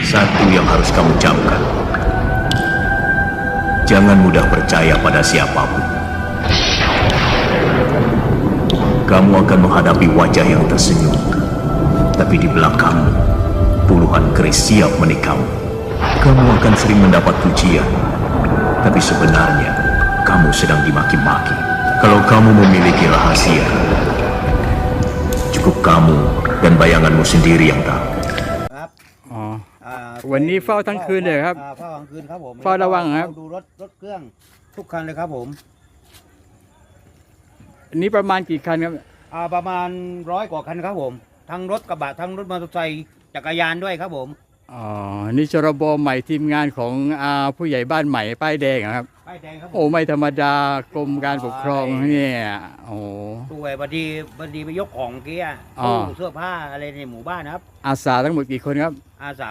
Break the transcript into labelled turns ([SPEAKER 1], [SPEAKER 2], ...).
[SPEAKER 1] Satu yang harus kamu camkan. Jangan mudah percaya pada siapapun. Kamu akan menghadapi wajah yang tersenyum, tapi di belakangmu puluhan keris siap menikam. Kamu akan sering mendapat pujian, tapi sebenarnya kamu sedang dimaki-maki. Kalau kamu memiliki rahasia, cukup kamu dan bayanganmu sendiri yang tahu.
[SPEAKER 2] ครับ
[SPEAKER 3] อ๋อ
[SPEAKER 2] อ่า
[SPEAKER 3] วันนี้เฝ้าทั้งคืนเลยครับ
[SPEAKER 2] เฝ้ากลางคืนครับผม
[SPEAKER 3] เฝ้าระวังครับ
[SPEAKER 2] ดูรถเครื่องทุกคันเลยครับผม
[SPEAKER 3] อันนี้ประมาณกี่คันครับ
[SPEAKER 2] ประมาณ100 กว่าคันครับผมทั้งรถกระบะทั้งรถมอเตอร์ไซค์จักรยานด้วยครับผม
[SPEAKER 3] อ๋อ นี่ชรบใหม่ทีมงานของผู้ใหญ่บ้านใหม่ป้ายแดงเหรอครับ
[SPEAKER 2] ป้ายแดงครับผม
[SPEAKER 3] โอ้ไม่ธรรมดากรมการปกครองเนี่ยโอ้
[SPEAKER 2] ด้วยบัดดีไปยกของเกี้ย
[SPEAKER 3] อ๋อ
[SPEAKER 2] ตู้เสื้อผ้าอะไรในหมู่บ้านนะครับ
[SPEAKER 3] อาสาทั้งหมดกี่คนครับ
[SPEAKER 2] อาสา